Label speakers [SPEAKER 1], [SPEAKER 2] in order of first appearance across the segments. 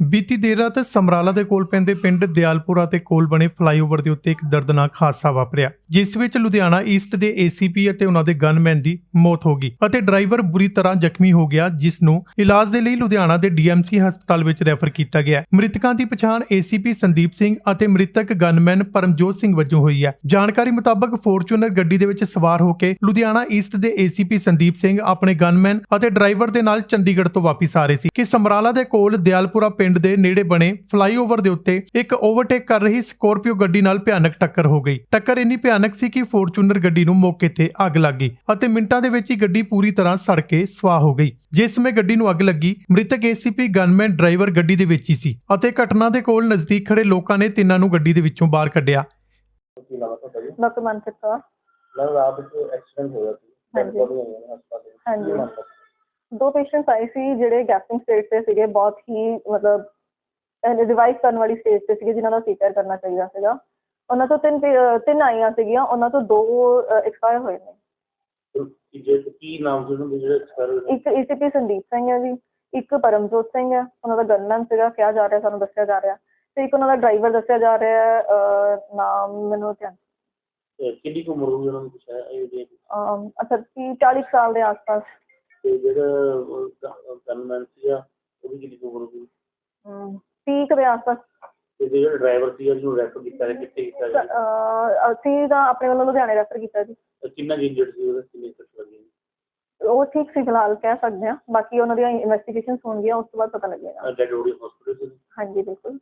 [SPEAKER 1] ਬੀਤੀ ਦੇਰ ਰਾਤ ਸਮਰਾਲਾ ਦੇ ਕੋਲ ਪੈਂਦੇ ਪਿੰਡ ਦਿਆਲਪੁਰਾ ਤੇ ਕੋਲ ਬਣੇ ਫਲਾਈਓਵਰ ਦੇ ਉੱਤੇ ਇੱਕ ਦਰਦਨਾਕ ਹਾਦਸਾ ਵਾਪਰਿਆ, ਜਿਸ ਵਿੱਚ ਲੁਧਿਆਣਾ ਈਸਟ ਦੇ ਏਸੀਪੀ ਅਤੇ ਉਹਨਾਂ ਦੇ ਗਨਮੈਨ ਦੀ ਮੌਤ ਹੋ ਗਈ ਅਤੇ ਡਰਾਈਵਰ ਬੁਰੀ ਤਰ੍ਹਾਂ ਜ਼ਖਮੀ ਹੋ ਗਿਆ, ਜਿਸ ਨੂੰ ਇਲਾਜ ਦੇ ਲਈ ਲੁਧਿਆਣਾ ਦੇ ਡੀਐਮਸੀ ਹਸਪਤਾਲ ਵਿੱਚ ਰੈਫਰ ਕੀਤਾ ਗਿਆ। ਮ੍ਰਿਤਕਾਂ ਦੀ ਪਛਾਣ ਏਸੀਪੀ ਸੰਦੀਪ ਸਿੰਘ ਅਤੇ ਮ੍ਰਿਤਕ ਗਨਮੈਨ ਪਰਮਜੋਤ ਸਿੰਘ ਵਜੋਂ ਹੋਈ ਹੈ। ਜਾਣਕਾਰੀ ਮੁਤਾਬਕ ਫੋਰਚੂਨਰ ਗੱਡੀ ਦੇ ਵਿੱਚ ਸਵਾਰ ਹੋ ਕੇ ਲੁਧਿਆਣਾ ਈਸਟ ਦੇ ਏਸੀਪੀ ਸੰਦੀਪ ਸਿੰਘ ਆਪਣੇ ਗਨਮੈਨ ਅਤੇ ਡਰਾਈਵਰ ਦੇ ਨਾਲ ਚੰਡੀਗੜ੍ਹ ਤੋਂ ਵਾਪਸ ਆ ਰਹੇ ਸੀ ਕਿ ਸਮਰਾਲਾ ਦੇ ਕੋਲ ਦਿਆਲਪੁਰਾ ਪਿੰਡ ਦੇ ਨੇੜੇ ਬਣੇ ਫਲਾਈਓਵਰ ਦੇ ਉੱਤੇ ਇੱਕ ਓਵਰਟੇਕ ਕਰ ਰਹੀ ਸਕੋਰਪੀਓ ਗੱਡੀ ਨਾਲ ਭਿਆਨਕ ਟੱਕਰ ਹੋ ਗਈ। ਟੱਕਰ ਇੰਨੀ ਭਿਆਨਕ ਸੀ ਕਿ ਫੋਰਚੂਨਰ ਗੱਡੀ ਨੂੰ ਮੌਕੇ ਤੇ ਅੱਗ ਲੱਗ ਗਈ ਅਤੇ ਮਿੰਟਾਂ ਦੇ ਵਿੱਚ ਹੀ ਗੱਡੀ ਪੂਰੀ ਤਰ੍ਹਾਂ ਸੜ ਕੇ ਸਵਾਹ ਹੋ ਗਈ। ਜਿਸ ਸਮੇਂ ਗੱਡੀ ਨੂੰ ਅੱਗ ਲੱਗੀ, ਮ੍ਰਿਤਕ ਏਸੀਪੀ ਗਨਮੈਨ ਡਰਾਈਵਰ ਗੱਡੀ ਦੇ ਵਿੱਚ ਹੀ ਸੀ ਅਤੇ ਘਟਨਾ ਦੇ ਕੋਲ ਨਜ਼ਦੀਕ ਖੜੇ ਲੋਕਾਂ ਨੇ ਤਿੰਨਾਂ ਨੂੰ ਗੱਡੀ ਦੇ ਵਿੱਚੋਂ ਬਾਹਰ ਕੱਢਿਆ।
[SPEAKER 2] ਡਾਕਟਰ ਮਨਪ੍ਰੀਤ ਕੌਰ।
[SPEAKER 3] ਰਾਤ ਨੂੰ ਐਕਸੀਡੈਂਟ ਹੋਇਆ ਸੀ।
[SPEAKER 2] ਹਾਂਜੀ। ਹਾਂਜੀ।
[SPEAKER 3] ਹਾਂਜੀ।
[SPEAKER 2] ਦੋ ਪੇਸ਼ੈਂਟਸ ਆਏ ਸੀ ਜਿਹੜੇ ਗੈਸਟਿੰਗ ਸਟੇਜ ਤੇ ਸੀਗੇ, ਬਹੁਤ ਹੀ ਮਤਲਬ ਰਿਵਾਈਵ ਕਰਨ ਵਾਲੀ ਸਟੇਜ ਤੇ ਸੀਗੇ, ਜਿਨ੍ਹਾਂ ਦਾ ਸੀਪੀਆਰ ਕਰਨਾ ਚਾਹੀਦਾ ਸੀਗਾ। ਉਹਨਾਂ ਤੋਂ ਤਿੰਨ ਆਈਆਂ ਸੀਗੀਆਂ, ਉਹਨਾਂ ਤੋਂ ਦੋ ਐਕਸਪਾਇਰ ਹੋਏ ਨੇ।
[SPEAKER 3] ਕੀ ਨਾਮ ਸੀ ਉਹਨਾਂ ਦੇ ਜਿਹੜੇ ਐਕਸਪਾਇਰ ਹੋਏ?
[SPEAKER 2] ਇੱਕ ਏਸੀਪੀ ਸੰਦੀਪ ਸਿੰਘ ਹੈ ਜੀ, ਇੱਕ ਪਰਮਜੋਤ ਸਿੰਘ ਹੈ, ਉਹਨਾਂ ਦਾ ਗਨਮੈਨ ਸੀਗਾ ਕਿਹਾ ਜਾ ਰਿਹਾ, ਸਾਨੂੰ ਦੱਸਿਆ ਜਾ ਰਿਹਾ, ਤੇ ਇੱਕ ਉਹਨਾਂ ਦਾ ਡਰਾਈਵਰ ਦੱਸਿਆ ਜਾ ਰਿਹਾ, ਨਾਮ ਮੈਨੂੰ ਧਿਆਨ।
[SPEAKER 3] ਕਿੰਨੀ ਕੁ ਉਮਰ ਹੋਈ ਉਹਨਾਂ ਦੀ? ਕੁਛ ਹੈ
[SPEAKER 2] ਅੱਛਾ 40 ਸਾਲ ਦੇ ਆਸ-ਪਾਸ।
[SPEAKER 3] ਤੇ ਜਿਹੜਾ ਗਨਮੈਨ ਸੀਗਾ ਉਹਦੀ ਕਿੰਨੀ ਕੁ ਉਮਰ ਹੋਈ?
[SPEAKER 2] 30 ਦੇ ਆਸ-ਪਾਸ।
[SPEAKER 3] ਤੇ ਜਿਹੜਾ ਡਰਾਈਵਰ ਸੀਗਾ ਜਿਹਨੂੰ ਰੈਫਰ ਕੀਤਾ ਗਿਆ, ਕਿੱਥੇ ਕੀਤਾ ਗਿਆ?
[SPEAKER 2] ਅਸੀਂ ਤਾਂ ਆਪਣੇ ਵੱਲੋਂ ਲੁਧਿਆਣੇ ਰੈਫਰ ਕੀਤਾ ਜੀ।
[SPEAKER 3] ਕਿੰਨਾ ਇੰਜਰਡ ਸੀ ਉਹਦਾ? ਕਿੰਨੀ ਸੱਟ ਲੱਗੀ?
[SPEAKER 2] ਉਹ ਠੀਕ ਸੀ ਫਿਲਹਾਲ, ਕਹਿ ਸਕਦੇ ਹਾਂ। ਬਾਕੀ ਉਹਨਾਂ ਦੀਆਂ ਇਨਵੈਸਟੀਗੇਸ਼ਨਸ ਹੋਣਗੀਆਂ, ਉਸ ਤੋਂ ਬਾਅਦ ਪਤਾ ਲੱਗੇਗਾ।
[SPEAKER 3] ਡੈਡ ਬੋਡੀ ਹਸਪੀਟਲ ਸੀ?
[SPEAKER 2] ਹਾਂਜੀ ਬਿਲਕੁਲ।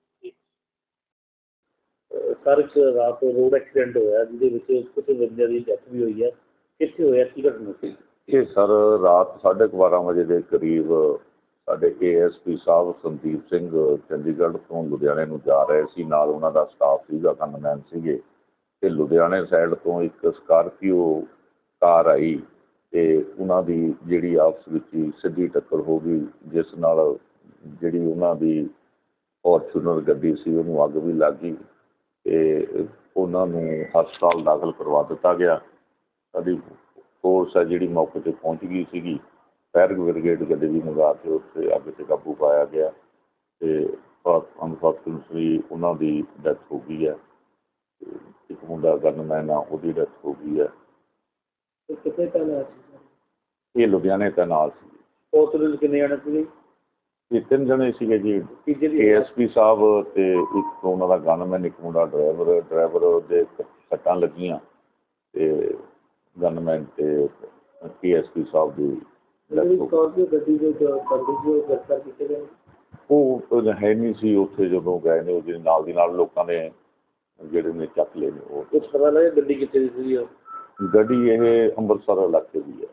[SPEAKER 3] ਸਰ ਇੱਕ ਰਾਤ ਰੋਡ ਐਕਸੀਡੈਂਟ ਹੋਇਆ ਜਿਹਦੇ ਵਿੱਚ ਕੁਝ ਬੰਦਿਆਂ ਦੀ ਡੈਥ ਵੀ ਹੋਈ ਹੈ, ਕਿੱਥੇ ਹੋਇਆ, ਕੀ ਘਟਨਾ ਸੀ?
[SPEAKER 4] ਇਹ ਸਰ ਰਾਤ 12:30 ਵਜੇ ਦੇ ਕਰੀਬ ਸਾਡੇ ਏਐਸਪੀ ਸਾਹਿਬ ਸੰਦੀਪ ਸਿੰਘ ਚੰਡੀਗੜ੍ਹ ਤੋਂ ਲੁਧਿਆਣੇ ਨੂੰ ਜਾ ਰਹੇ ਸੀ, ਨਾਲ ਉਹਨਾਂ ਦਾ ਸਟਾਫ ਸੀਗਾ, ਗਨਮੈਨ ਸੀਗੇ, ਤੇ ਲੁਧਿਆਣੇ ਸਾਈਡ ਤੋਂ ਇੱਕ ਸਕਾਰਪੀਓ ਕਾਰ ਆਈ ਤੇ ਉਹਨਾਂ ਦੀ ਜਿਹੜੀ ਆਪਸ ਵਿੱਚ ਹੀ ਸਿੱਧੀ ਟੱਕਰ ਹੋ ਗਈ, ਜਿਸ ਨਾਲ ਜਿਹੜੀ ਉਹਨਾਂ ਦੀ ਫੋਰਚੂਨਰ ਗੱਡੀ ਸੀ ਉਹਨੂੰ ਅੱਗ ਵੀ ਲੱਗ ਗਈ ਤੇ ਉਹਨਾਂ ਨੂੰ ਹਸਪਤਾਲ ਦਾਖਲ ਕਰਵਾ ਦਿੱਤਾ ਗਿਆ। ਸਾਡੀ ਫੋਰਸ ਹੈ ਜਿਹੜੀ ਮੌਕੇ 'ਤੇ ਪਹੁੰਚ ਗਈ ਸੀਗੀ, ਫਾਇਰ ਬ੍ਰਿਗੇਡ ਗੱਡੀ ਵੀ ਮੰਗਾ ਕੇ ਉੱਥੇ ਅੱਗ 'ਤੇ ਕਾਬੂ ਪਾਇਆ ਗਿਆ ਤੇ ਅਨਫੋਰਚੂਨੇਟਲੀ ਉਹਨਾਂ ਦੀ ਡੈਥ ਹੋ ਗਈ ਹੈ। ਇੱਕ ਮੁੰਡਾ ਗਨਮੈਨ ਆ, ਉਹਦੀ ਡੈਥ ਹੋ ਗਈ ਹੈ।
[SPEAKER 3] ਕਿੱਥੇ ਤੈਨਾਤ ਸੀ?
[SPEAKER 4] ਇਹ ਲੁਧਿਆਣੇ ਤੈਨਾਤ ਸੀ।
[SPEAKER 3] ਹਸਪਤਾਲ ਕਿੰਨੇ ਜਾਣੇ ਸੀਗੇ?
[SPEAKER 4] ਇਹ 3 ਜਣੇ ਸੀਗੇ ਜੀ, ਏਐਸਪੀ ਸਾਹਿਬ ਤੇ ਇੱਕ ਉਹਨਾਂ ਦਾ ਗਨਮੈਨ, ਇੱਕ ਮੁੰਡਾ ਡਰਾਈਵਰ ਦੇ ਸੱਟਾਂ ਲੱਗੀਆਂ ਤੇ ਗਨਮੈਨ ਤੇ ਏਐਸਪੀ ਸਾਹਿਬ ਦੀ
[SPEAKER 3] ਗੱਡੀ ਦੇ ਗ੍ਰਿਫਤਾਰ ਕੀਤੇ ਗਏ?
[SPEAKER 4] ਉਹ ਹੈ ਨਹੀਂ ਸੀ ਉੱਥੇ ਜਦੋਂ ਗਏ ਨੇ, ਉਹਦੇ ਨਾਲ ਦੀ ਨਾਲ ਲੋਕਾਂ ਨੇ ਜਿਹੜੇ ਨੇ ਚੱਕ ਲਏ ਨੇ। ਉਹ
[SPEAKER 3] ਕੁਛ ਪਤਾ ਲੱਗਿਆ ਗੱਡੀ ਕਿੱਥੇ ਦੀ ਸੀ?
[SPEAKER 4] ਗੱਡੀ ਇਹ ਅੰਮ੍ਰਿਤਸਰ ਇਲਾਕੇ ਦੀ ਹੈ।